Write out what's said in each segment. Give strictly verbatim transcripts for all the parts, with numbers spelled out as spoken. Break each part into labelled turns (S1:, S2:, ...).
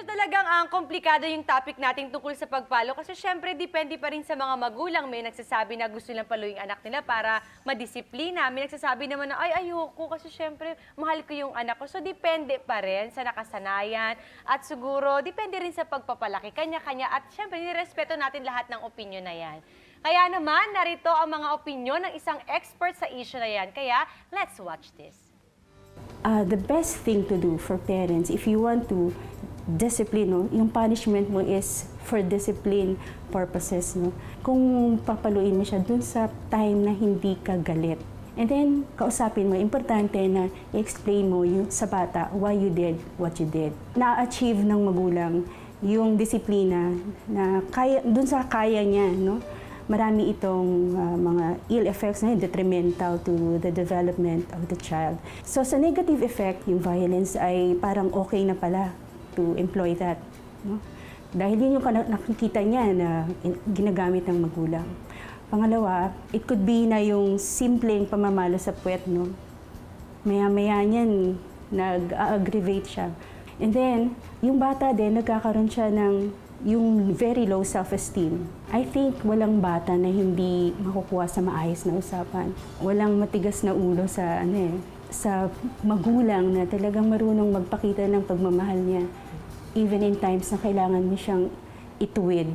S1: medyo talagang ang komplikado yung topic natin tungkol sa pagpalo kasi syempre depende pa rin sa mga magulang. May nagsasabi na gusto nilang paluin anak nila para madisiplina. May nagsasabi naman na ay ayoko kasi syempre mahal ko yung anak ko. So depende pa rin sa nakasanayan at siguro depende rin sa pagpapalaki. Kanya-kanya at syempre nirespeto natin lahat ng opinion na yan. Kaya naman narito ang mga opinion ng isang expert sa issue na yan. Kaya let's watch this.
S2: Uh, the best thing to do for parents, if you want to discipline, no, yung punishment mo is for discipline purposes. No? Kung papaluin mo siya dun sa time na hindi ka galit. And then, kausapin mo, importante na i-explain mo yung, sa bata why you did what you did. Na-achieve ng magulang yung disiplina na kaya, dun sa kaya niya, no? Marami itong uh, mga ill effects na detrimental to the development of the child. So sa negative effect, yung violence ay parang okay na pala to employ that. No? Dahil yun yung nakikita niya na ginagamit ng magulang. Pangalawa, it could be na yung simpleng pamamalo sa puwet, no? Maya-maya niyan, nag-aggravate siya. And then, yung bata din, nagkakaroon siya ng yung very low self-esteem. I think walang bata na hindi makukuha sa maayos na usapan. Walang matigas na ulo sa ano eh, sa magulang na talagang marunong magpakita ng pagmamahal niya even in times na kailangan mo siyang ituwid.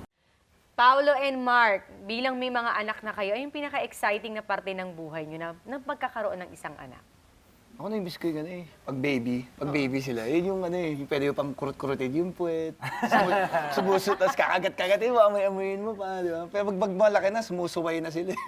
S1: Paolo and Mark, bilang may mga anak na kayo, ay yung pinaka-exciting na parte ng buhay nyo na, na pagkakaroon ng isang anak.
S3: Ako na yung ko yung ano eh, pag baby, pag baby sila, yun yung ano eh, yung pwede yung pang kurut-kurutin yung puwet, sumusot, tapos kakagat-kagat, eh, amoy-amoyin mo pa, di ba? Pero pag, pag malaki na, sumusuway na sila.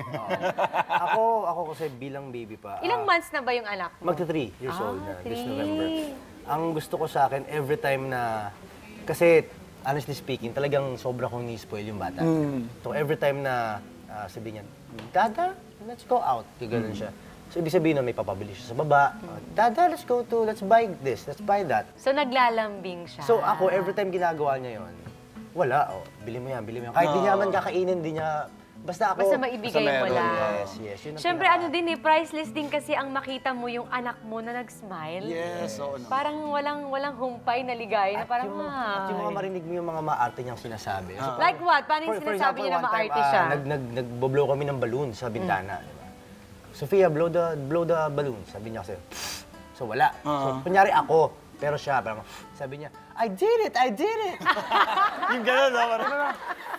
S4: ako, ako kasi bilang baby pa.
S1: Ilang
S4: ah,
S1: months na ba yung anak mo?
S4: Magta three years
S1: Ah,
S4: old na, this
S1: three.
S4: November. Ang gusto ko sa akin, every time na, kasi honestly speaking, talagang sobra kong ni-spoil yung bata.
S3: Mm.
S4: So every time na uh, sabi niya, Dada, let's go out. Yung ganun siya. So, ibig sabihin na may papabili siya sa baba. Uh, Dada, let's go to, let's buy this, let's buy that.
S1: So naglalambing siya.
S4: So, ako, every time ginagawa niya yon, wala, oh, bili mo yan, bili mo yan. Kahit di niya man kakainin, di niya, basta ako.
S1: Basta maibigay
S3: basta
S1: mo
S3: meron,
S1: lang.
S4: Yes, yes. Yun ang
S1: Siyempre,
S4: pinaka-
S1: ano din eh, priceless din kasi ang makita mo yung anak mo na nag-smile.
S3: Yes, oo naman.
S1: Parang walang walang humpay na ligaya na
S4: At
S1: parang,
S4: yung, at yung mga
S1: "Ay."
S4: marinig mo yung mga maarte niyang sinasabi. So,
S1: Like what? Paano yung sinasabi niya na
S4: one time,
S1: maarte
S4: ah,
S1: siya?
S4: nag, nag, nag-blow kami ng balloon sa bintana. Di ba? Sophia, blow the, blow the balloon. Sabi niya kasi, so wala. So, kunyari ako, pero siya, parang, sabi niya, I did it, I did it.
S3: Yung gano'n, no? Parang,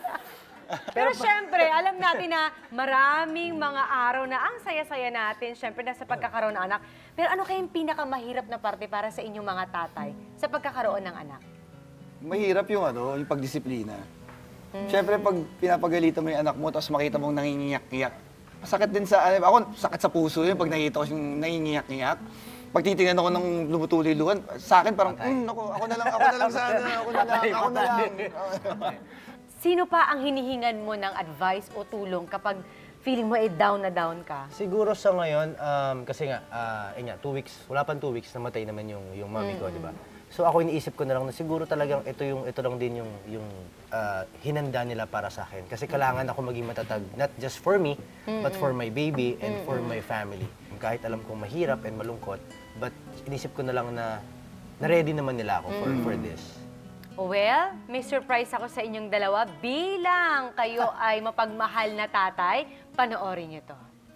S1: Pero syempre, alam natin na maraming mga araw na ang saya-saya natin, syempre, nasa pagkakaroon ng anak. Pero ano kayang pinakamahirap na parte para sa inyong mga tatay sa pagkakaroon ng anak?
S3: mahirap yung ano, yung pagdisiplina. Siyempre, pag pinapagalitan mo yung anak mo, tapos makita mong nangingiyak-iyak, masakit din sa, ano, ako, sakit sa puso yun pag nakita ko yung nangingiyak-iyak. Pag titingnan ako ng lumutuloy-luhan, sa akin parang, hmm, ako, ako na lang, ako na lang sana, ako na lang, ako na lang.
S1: Sino pa ang hinihingan mo ng advice o tulong kapag feeling mo eh down na down ka?
S4: Siguro sa ngayon, um, kasi nga, uh, yun nga, two weeks, wala pang two weeks, namatay naman yung, yung mami ko, di ba? So ako iniisip ko na lang na siguro talagang ito yung ito lang din yung yung uh, hinanda nila para sa akin kasi kailangan ako maging matatag not just for me mm-hmm. but for my baby and mm-hmm. for my family. Kahit alam kong mahirap and malungkot, but inisip ko na lang na na-ready naman nila ako for mm-hmm. for this.
S1: Well, may surprise ako sa inyong dalawa bilang kayo ay mapagmahal na tatay. Panoorin niyo to.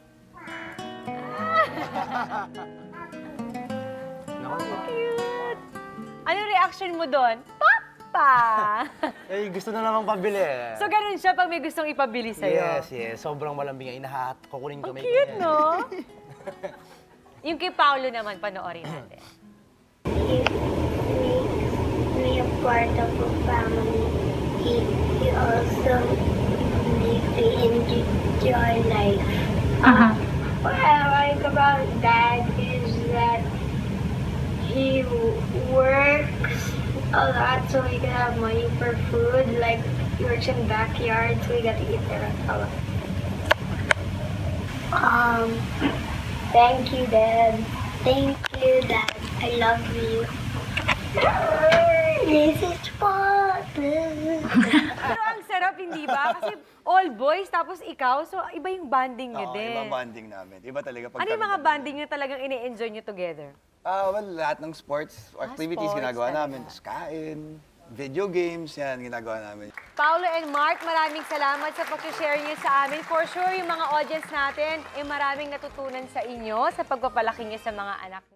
S1: Cute! Ano reaction mo doon? Papa!
S4: Eh, gusto na namang pabili.
S1: So, ganun siya pag may gustong ipabili sa'yo?
S4: Yes, yes. Sobrang malambing. Inahat, kukunin ko.
S1: Ang cute, no? Yung kay Paolo naman, panoorin natin.
S5: He makes me a part of a family. He, he also makes me enjoy life. Uh-huh. What I like about Dad is that he works a lot so we can have money for food. Like, he works in backyard so we get to eat there a lot. Um, thank you, Dad. Thank you, Dad. I love you. This is fun.
S1: Pero ang sarap hindi ba? Kasi all boys, tapos ikaw, so iba yung banding niyo
S3: Oo,
S1: din.
S3: iba banding namin. Iba talaga pag
S1: Ano yung
S3: kami
S1: mga
S3: talaga.
S1: banding niyo talagang ini-enjoy niyo together?
S3: Ah, well, lahat ng sports activities
S1: sports
S3: ginagawa
S1: talaga.
S3: namin. Tapos kain, video games, yan, ginagawa namin.
S1: Paolo and Mark, maraming salamat sa pag-share niyo sa amin. For sure, yung mga audience natin, eh maraming natutunan sa inyo sa pagpapalaki niyo sa mga anak.